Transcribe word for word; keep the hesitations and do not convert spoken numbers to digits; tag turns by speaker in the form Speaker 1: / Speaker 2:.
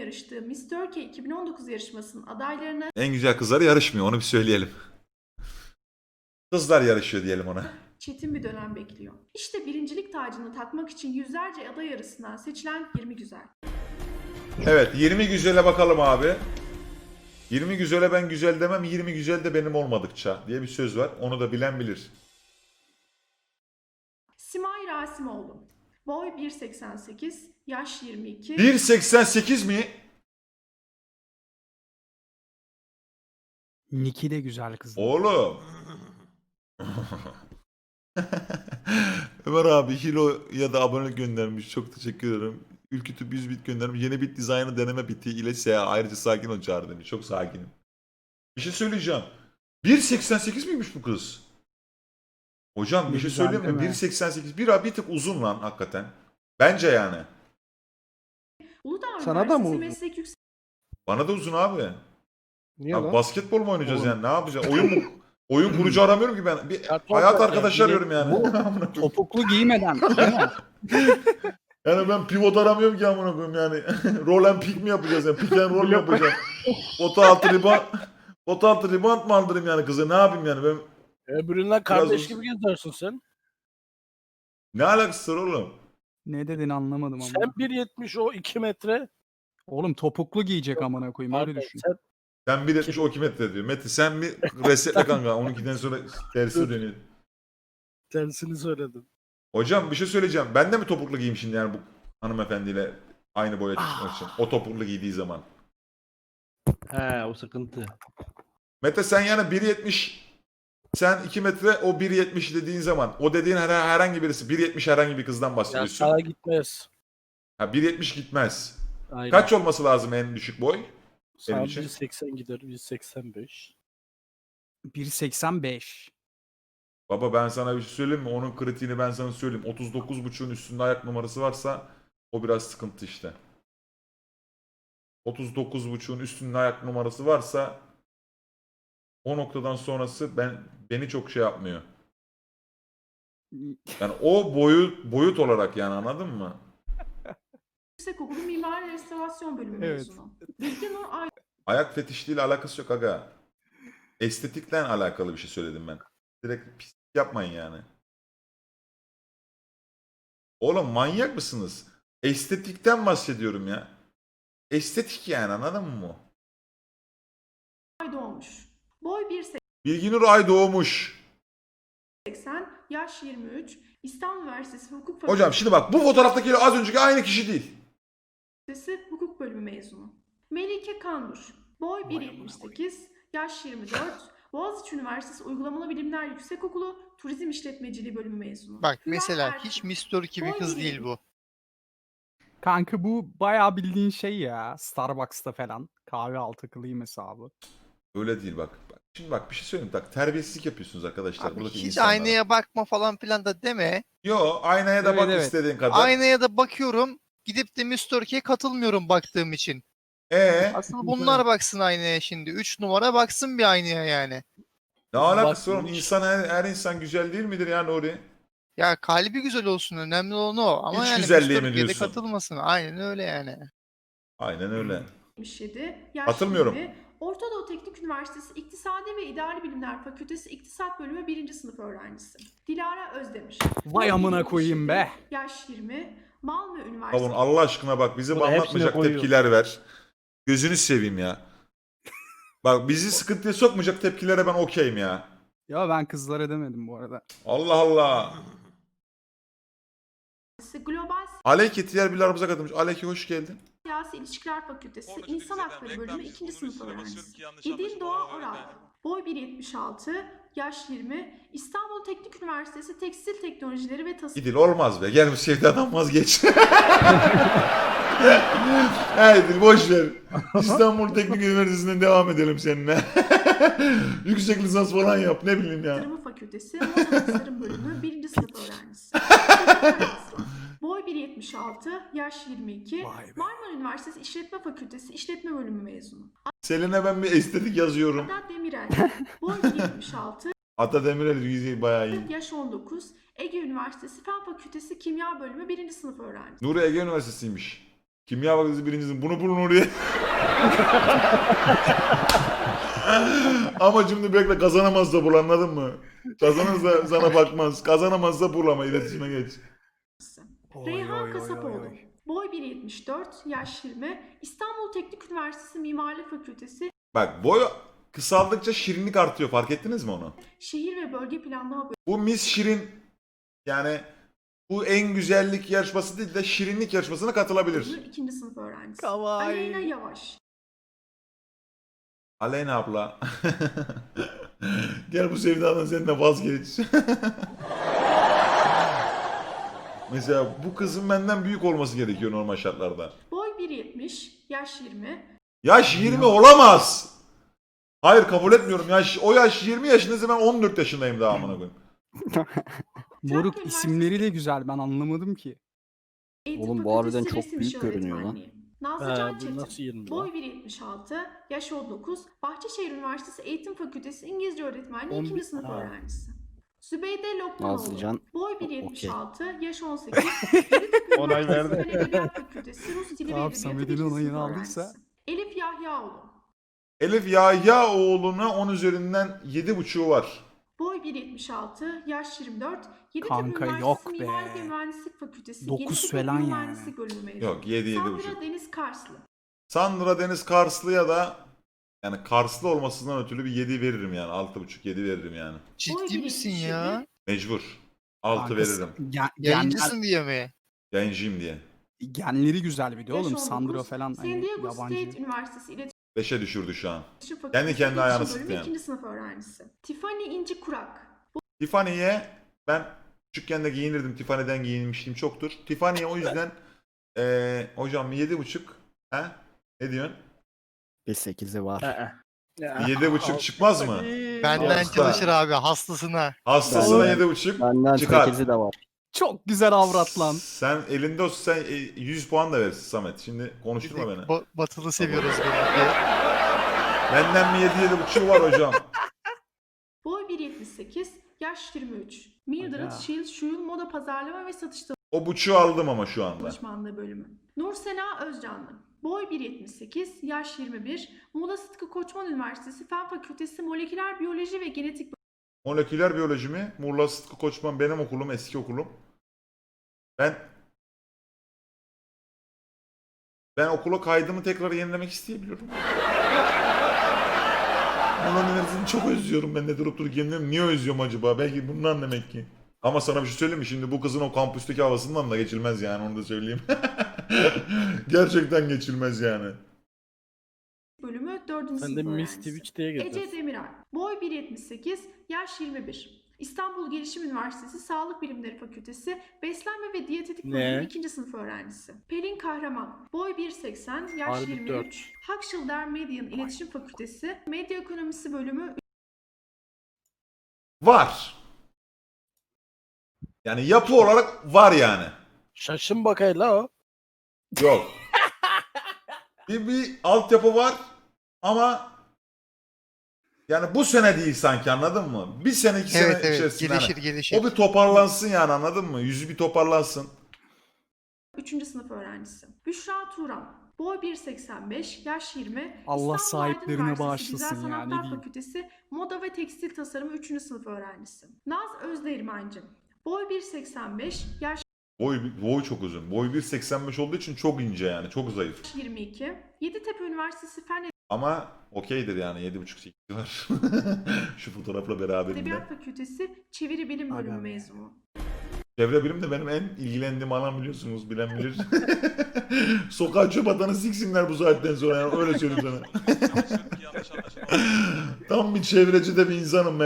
Speaker 1: yarıştığı Miss Turkey iki bin on dokuz yarışmasının adaylarına
Speaker 2: En güzel kızları yarışmıyor, onu bir söyleyelim. Kızlar yarışıyor diyelim ona.
Speaker 1: çetin bir dönem bekliyor. İşte birincilik tacını takmak için yüzlerce aday arasından seçilen yirmi güzel.
Speaker 2: Evet, yirmi güzele bakalım abi. yirmi güzele ben güzel demem, yirmi güzel de benim olmadıkça diye bir söz var. Onu da bilen bilir.
Speaker 1: Simay Rasimoğlu. Boy bir seksen sekiz, yaş yirmi iki.
Speaker 2: bir seksen sekiz mi?
Speaker 3: Niki de güzel kız.
Speaker 2: Oğlum. Ömer abi Hilo ya da abonelik göndermiş. Çok teşekkür ederim. Ülkütüp yüz bit göndermiş. Yeni bit dizaynı deneme biti ile S A. Ayrıca sakin ol çağrı demiş. Çok sakinim. Bir şey söyleyeceğim. bir seksen sekiz miymiş bu kız? Hocam bir
Speaker 3: Ne
Speaker 2: şey
Speaker 3: güzel,
Speaker 2: söyleyeyim mi?
Speaker 3: değil mi?
Speaker 2: bir seksen sekiz. Bir, bir tık uzun lan hakikaten. Bence yani.
Speaker 1: Uludağ
Speaker 4: Sana da mı
Speaker 1: Üniversitesi
Speaker 4: uzun?
Speaker 1: Meslek Yüksek
Speaker 2: Bana da uzun abi.
Speaker 4: Niye
Speaker 2: Abi
Speaker 4: lan?
Speaker 2: basketbol mu oynayacağız
Speaker 3: Oğlum.
Speaker 2: yani? Ne yapacağız? Oyun mu? Oyun kurucu aramıyorum ki ben. Bir
Speaker 4: Ya,
Speaker 2: hayat
Speaker 4: top-
Speaker 2: arkadaşı
Speaker 3: yani
Speaker 2: arıyorum yani.
Speaker 3: bu-
Speaker 2: Amına koyayım.
Speaker 3: Topuklu giymeden değil mi?
Speaker 2: Yani ben pivot aramıyorum ki amına koyayım yani. Roll and pick mi yapacağız yani? Pick and roll mu yapacağım? Pota altı rebound. Pota altı rebound mı aldırayım yani kıza? Ne yapayım yani? Ben
Speaker 4: Öbüründen kardeş
Speaker 2: uzun.
Speaker 4: gibi geziyorsun sen.
Speaker 2: ne alakası var oğlum?
Speaker 3: Ne dediğini anlamadım ama.
Speaker 4: Sen bir yetmiş o iki metre.
Speaker 3: Oğlum topuklu giyecek amına koyayım öyle
Speaker 4: Pardon,
Speaker 3: düşün.
Speaker 4: sen
Speaker 2: Sen bir yetmiş o iki metre diyor. Mete sen bir resetle kanka. on ikiden sonra tersi
Speaker 4: Dur.
Speaker 2: dönüyor.
Speaker 4: tersini söyledin.
Speaker 2: Hocam bir şey söyleyeceğim. Ben de mi topuklu giyeyim şimdi yani bu hanımefendiyle aynı boya çıkmak için? O topuklu giydiği zaman.
Speaker 5: He o sıkıntı.
Speaker 2: Mete sen yani bir yetmiş sen iki metre o bir yetmiş dediğin zaman o dediğin her, herhangi birisi bir yetmiş herhangi bir kızdan
Speaker 4: Ya
Speaker 2: bahsediyorsun.
Speaker 4: sana gitmez.
Speaker 2: Ha bir yetmiş gitmez.
Speaker 4: Aynen.
Speaker 2: Kaç olması lazım en düşük boy?
Speaker 4: Sana
Speaker 2: için?
Speaker 4: bir seksen gider, bir seksen beş.
Speaker 3: bir seksen beş.
Speaker 2: Baba ben sana bir şey söyleyeyim mi? Onun kritiğini ben sana söyleyeyim. otuz dokuz buçuğun üstünde ayak numarası varsa o biraz sıkıntı işte. otuz dokuz buçuğun üstünde ayak numarası varsa o noktadan sonrası ben beni çok şey yapmıyor. Yani o boyut boyut olarak yani anladın mı?
Speaker 1: Yüksekokulu Mimari Restorasyon Bölümü
Speaker 3: Evet.
Speaker 1: mezunu. Bilge Nur Ay
Speaker 2: Ayak fetişliğiyle alakası yok aga. Estetikle alakalı bir şey söyledim ben. Direkt pis yapmayın yani. Oğlum manyak mısınız? Estetikten bahsediyorum ya. Estetik yani anladın mı?
Speaker 1: doğmuş. Boy bir
Speaker 2: Bilginur Ay doğmuş.
Speaker 1: seksen, yaş yirmi üç, İstanbul Üniversitesi Hukuk
Speaker 2: Hocam şimdi bak bu fotoğraftakiyle az önceki aynı kişi değil.
Speaker 1: Fakültesi Hukuk Bölümü mezunu. Melike Kandur. Boy bir yetmiş sekiz, yaş yirmi dört, Boğaziçi Üniversitesi Uygulamalı Bilimler Yüksekokulu Turizm İşletmeciliği Bölümü mezunu.
Speaker 6: Bak
Speaker 1: Hülya
Speaker 6: mesela
Speaker 1: Erkin.
Speaker 6: hiç Miss Turkey bir
Speaker 1: Boy
Speaker 6: kız
Speaker 1: bir
Speaker 6: değil bu.
Speaker 3: Kanka bu bayağı bildiğin şey ya. Starbucks'ta falan. Kahve altı kılayım hesabı.
Speaker 2: Öyle değil bak. Bak, şimdi bak bir şey söyleyeyim. Bak terbiyesizlik yapıyorsunuz arkadaşlar.
Speaker 6: Abi
Speaker 2: Buradaki
Speaker 6: hiç
Speaker 2: insanlara.
Speaker 6: aynaya bakma falan filan da deme.
Speaker 2: Yo aynaya da
Speaker 3: Evet,
Speaker 2: bak
Speaker 3: evet.
Speaker 2: istediğin kadar.
Speaker 6: Aynaya da bakıyorum. Gidip de Miss Turkey'ye katılmıyorum baktığım için.
Speaker 2: Ee,
Speaker 6: Asıl bunlar baksın aynaya şimdi. Üç numara baksın bir aynaya yani.
Speaker 2: ne alakası var oğlum?
Speaker 4: Bakmış.
Speaker 2: İnsan her, her insan güzel değil midir ya Nuri?
Speaker 6: Ya kalbi güzel olsun, önemli olan o. Ama
Speaker 2: İç
Speaker 6: yani
Speaker 2: güzelliği
Speaker 6: Miss
Speaker 2: mi
Speaker 6: Turkey'ye de
Speaker 2: diyorsun?
Speaker 6: katılmasın. Aynen öyle yani.
Speaker 2: Aynen öyle.
Speaker 1: yetmiş yedi, yaş
Speaker 2: Katılmıyorum.
Speaker 1: yirmi, Orta Doğu Teknik Üniversitesi İktisadi ve İdari Bilimler Fakültesi İktisat Bölümü birinci sınıf öğrencisi. Dilara Özdemir.
Speaker 3: Vay
Speaker 1: Boy
Speaker 3: amına
Speaker 1: bir
Speaker 3: koyayım
Speaker 1: yetmiş
Speaker 3: be.
Speaker 1: yedi, yaş yirmi, Malmö Üniversitesi.
Speaker 2: Kavun Allah aşkına bak bizi
Speaker 5: Bunu hepsine
Speaker 2: anlatmayacak
Speaker 5: koyuyor.
Speaker 2: tepkiler ver. Gözünü seveyim ya. Bak bizi sıkıntıya sokmayacak tepkilere ben okeyim ya.
Speaker 3: Ya ben kızlara demedim bu arada.
Speaker 2: Allah Allah.
Speaker 1: Global
Speaker 2: Aleyke diğer bir aramıza katılmış. Aleyke hoş geldin.
Speaker 1: Siyasi İlişkiler Fakültesi
Speaker 7: Oradaki
Speaker 1: İnsan
Speaker 7: bizden
Speaker 1: Hakları
Speaker 7: reklam
Speaker 1: Bölümü
Speaker 7: yüzü
Speaker 1: ikinci sınıf
Speaker 7: kullanıyorsun,
Speaker 1: öğrencisi.
Speaker 7: basıyorum ki yanlış
Speaker 1: İdil
Speaker 7: anlaşılma
Speaker 1: Doğa
Speaker 7: olabilir
Speaker 1: Oral.
Speaker 7: de.
Speaker 1: Boy bir yetmiş altı, yaş yirmi, İstanbul Teknik Üniversitesi Tekstil Teknolojileri ve Tasarım.
Speaker 2: İdil olmaz be. Gelmiş sevdadan vazgeç. Hey İdil boş ver. İstanbul Teknik Üniversitesi'nden devam edelim seninle. Yüksek lisans falan yap ne bileyim ya.
Speaker 1: Tasarımı Fakültesi Moda Tasarım Bölümü birinci sınıf öğrencisi. Boy bir yetmiş altı, yaş yirmi iki,
Speaker 3: Vay be.
Speaker 1: Marmara Üniversitesi İşletme Fakültesi İşletme Bölümü mezunu.
Speaker 2: Selin'e ben bir estetik yazıyorum.
Speaker 1: Adat Demirel. Boy bir yetmiş altı,
Speaker 2: Ata Demirel yüzeyi bayağı iyi.
Speaker 1: yaş on dokuz, Ege Üniversitesi Fen Fakültesi Kimya Bölümü birinci sınıf öğrencisi.
Speaker 2: Nuri Ege Üniversitesi'ymiş. Kimya fakültesi birincisin. Bunu bulun oraya. Ama şimdi bekle, kazanamazsa bul, anladın mı? Kazanırsa sana bakmaz. Kazanamazsa bul ama iletişime geç.
Speaker 3: Oy,
Speaker 1: Reyhan
Speaker 3: oy, oy,
Speaker 1: Kasapoğlu.
Speaker 3: oy, oy.
Speaker 1: Boy bir yetmiş dört, yaş yirmi. İstanbul Teknik Üniversitesi Mimarlık Fakültesi
Speaker 2: Bak, boy kısaldıkça şirinlik artıyor. Fark ettiniz mi onu?
Speaker 1: Şehir ve Bölge Planlama
Speaker 2: Bu Miss Şirin, yani bu en güzellik yarışması değil de şirinlik yarışmasına katılabilir.
Speaker 1: Bölümü ikinci sınıf öğrencisi.
Speaker 3: Kawaii.
Speaker 1: Aleyna Yavaş.
Speaker 2: Aleyna abla. Gel bu sevdadan sen de vazgeç. Mesela bu kızın benden büyük olması gerekiyor normal şartlarda.
Speaker 1: Boy bir yetmiş, yaş yirmi.
Speaker 2: Yaş yirmi olamaz. Hayır, kabul etmiyorum. Yaş, o yaş yirmi yaşındaysa ben on dört yaşındayım daha amına koyayım.
Speaker 3: Moruk
Speaker 1: Trakya
Speaker 3: isimleri de güzel, ben anlamadım ki.
Speaker 1: Eğitim
Speaker 7: Oğlum bu
Speaker 1: Fakültesi
Speaker 7: harbiden çok
Speaker 1: Resim
Speaker 7: büyük
Speaker 1: İşi
Speaker 7: görünüyor lan.
Speaker 1: Öğretmenliği. Nazlı
Speaker 4: He,
Speaker 1: Can
Speaker 4: bu
Speaker 1: Çetin.
Speaker 4: nasıl yirmi
Speaker 1: Boy
Speaker 4: lan?
Speaker 1: bir yetmiş altı, yaş on dokuz. Bahçeşehir Üniversitesi Eğitim Fakültesi İngilizce Öğretmenliği
Speaker 4: on
Speaker 1: ikinci
Speaker 4: bir-
Speaker 1: sınıf
Speaker 4: Ha.
Speaker 1: öğrencisi. Zübeyde Lokmanoğlu.
Speaker 7: Nazlıcan,
Speaker 1: Boy bir
Speaker 7: o-
Speaker 1: yetmiş
Speaker 7: okey.
Speaker 1: altı, yaş on sekiz. Yeditepe
Speaker 5: Onay
Speaker 1: Üniversitesi
Speaker 5: verdi.
Speaker 1: Fen Edebiyat Fakültesi Rus Dili ve
Speaker 3: Tamam,
Speaker 1: Edebiyatı
Speaker 3: Samet'in
Speaker 1: birinci
Speaker 3: onayını
Speaker 1: sınıf
Speaker 3: aldıysa.
Speaker 1: öğrencisi. Elif Yahyaoğlu.
Speaker 2: Elif Yahyaoğlu'na on üzerinden yedi buçuğu var.
Speaker 1: Boy bir yetmiş altı, yaş yirmi dört. Yeditepe
Speaker 3: Kanka,
Speaker 1: Üniversitesi
Speaker 3: yok be.
Speaker 1: Mimarlık ve Mühendislik Fakültesi
Speaker 3: Dokuz
Speaker 1: Genetik ve
Speaker 3: falan yani.
Speaker 1: Biyomühendislik bölümü mezunu.
Speaker 2: Yok, yedi yedi
Speaker 1: Sandra
Speaker 2: buçuk.
Speaker 1: Deniz Karslı.
Speaker 2: Sandra Deniz Karslı'ya da, yani Karslı olmasından ötürü bir yedi veririm yani. altı buçuk yedi veririm yani.
Speaker 1: Boy
Speaker 6: Ciddi
Speaker 1: bir
Speaker 6: misin
Speaker 1: yetmiş
Speaker 6: ya?
Speaker 1: yedi.
Speaker 2: Mecbur. altı
Speaker 3: Kankası-
Speaker 2: veririm.
Speaker 3: Gen- genler,
Speaker 6: Yayıncısın diye mi?
Speaker 2: Yayıncıyım diye.
Speaker 3: genleri güzel bir de
Speaker 1: Yaş
Speaker 3: oğlum.
Speaker 1: on dokuz.
Speaker 3: Sandro falan
Speaker 1: San
Speaker 3: hani
Speaker 1: Diego
Speaker 3: yabancı.
Speaker 1: State Üniversitesi İletişim
Speaker 2: beşe düşürdü şu an.
Speaker 1: Fakültesi
Speaker 2: Kendi kendine
Speaker 1: İletişim
Speaker 2: ayağını
Speaker 1: Bölümü
Speaker 2: sıktı yani.
Speaker 1: ikinci sınıf öğrencisi. Tiffany İnci Kurak.
Speaker 2: Tiffany'ye ben küçükken de giyinirdim. Tiffany'den giyinmişliğim çoktur. Tiffany'ye o yüzden eee hocam yedi buçuk. He? Ne diyorsun?
Speaker 7: bir sekizi var.
Speaker 5: Ee,
Speaker 4: Ya,
Speaker 2: Yedi buçuk çıkmaz mı?
Speaker 6: Benden
Speaker 2: Hasta.
Speaker 6: çalışır abi hastasına.
Speaker 2: Hastasına
Speaker 7: Ben-
Speaker 2: yedi buçuk
Speaker 7: Benden
Speaker 2: çıkar.
Speaker 7: sekizi de var.
Speaker 3: Çok güzel avrat lan.
Speaker 2: Sen elinde olsa sen e, yüz puan da verirsin Samet. Şimdi konuşturma beni.
Speaker 6: Ba- batılı seviyoruz böyle.
Speaker 2: Benden mi yedi yedi buçuğu var hocam?
Speaker 1: Boy bir yetmiş sekiz, yaş yirmi üç. Mildred
Speaker 3: Aga.
Speaker 1: Shield Şuyul Moda Pazarlama ve Satış
Speaker 2: O buçuğu aldım ama şu anda.
Speaker 1: Danışmanlığı Bölümü. Nur Sena Özcanlı. Boy bir yetmiş sekiz, yaş yirmi bir. Muğla Sıtkı Koçman Üniversitesi Fen Fakültesi Moleküler Biyoloji ve Genetik
Speaker 2: Moleküler biyoloji mi? Muğla Sıtkı Koçman benim okulum, eski okulum. Ben ben okula kaydımı tekrar yenilemek isteyebiliyorum. Muğla Üniversitesi'ni çok özlüyorum ben de durup durup yeniliyorum. Niye özlüyorum acaba? Belki bundan demek ki. Ama sana bir şey söyleyeyim mi? Şimdi bu kızın o kampüsteki havasından da geçilmez yani, onu da söyleyeyim. Gerçekten geçilmez yani.
Speaker 1: Bölümü dördüncü
Speaker 4: Sen
Speaker 1: sınıf
Speaker 4: de Miss
Speaker 1: öğrencisi.
Speaker 4: Twitch diye
Speaker 1: Ece
Speaker 4: getirsin.
Speaker 1: Demiral. Boy bir yetmiş sekiz, yaş yirmi bir. İstanbul Gelişim Üniversitesi Sağlık Bilimleri Fakültesi Beslenme ve Diyetetik
Speaker 4: Ne?
Speaker 1: Bölümü ikinci sınıf öğrencisi. Pelin Kahraman. Boy bir seksen, yaş
Speaker 4: Harbi
Speaker 1: yirmi
Speaker 4: dört.
Speaker 1: üç. Hakşilder Median İletişim Fakültesi Medya Ekonomisi Bölümü
Speaker 2: Var. Yani yapı olarak var yani.
Speaker 4: Şaşın bakayla o.
Speaker 2: Yok. bir, bir altyapı var ama yani bu sene değil sanki, anladın mı? Bir sene iki
Speaker 6: Evet
Speaker 2: sene
Speaker 6: evet
Speaker 2: içerisinde
Speaker 6: gelişir
Speaker 2: hani
Speaker 6: gelişir.
Speaker 2: o bir toparlansın yani, anladın mı? Yüzü bir toparlansın.
Speaker 1: üçüncü sınıf öğrencisi. Büşra Turan. Boy bir seksen beş, yaş yirmi.
Speaker 3: Allah
Speaker 1: İstanbul
Speaker 3: sahiplerine
Speaker 1: Aydın Üniversitesi
Speaker 3: bağışlasın
Speaker 1: Güzel
Speaker 3: ya, ne
Speaker 1: Sanatlar
Speaker 3: diyeyim.
Speaker 1: Fakültesi Moda ve Tekstil Tasarımı üçüncü sınıf öğrencisi. Naz Özdeğirmenci. Boy bir seksen beş, yaş
Speaker 2: Boy, boy çok uzun. Boy bir seksen beş olduğu için çok ince yani. Çok zayıf.
Speaker 1: yirmi iki. Yeditepe Üniversitesi Fen
Speaker 2: Ama okeydir yani. yedi buçuk sekiz var. Şu fotoğrafla beraberinde.
Speaker 1: Edebiyat Fakültesi Çeviri Bilim
Speaker 3: Aga
Speaker 1: Bölümü
Speaker 3: be.
Speaker 1: mezunu.
Speaker 2: Çevre bilim de benim en ilgilendiğim alan, biliyorsunuz. Bilen bilir. Sokağa çöp atanı siksinler bu saatten sonra yani. Öyle söyleyeyim sana. Tam bir çevreci de bir insanım ben.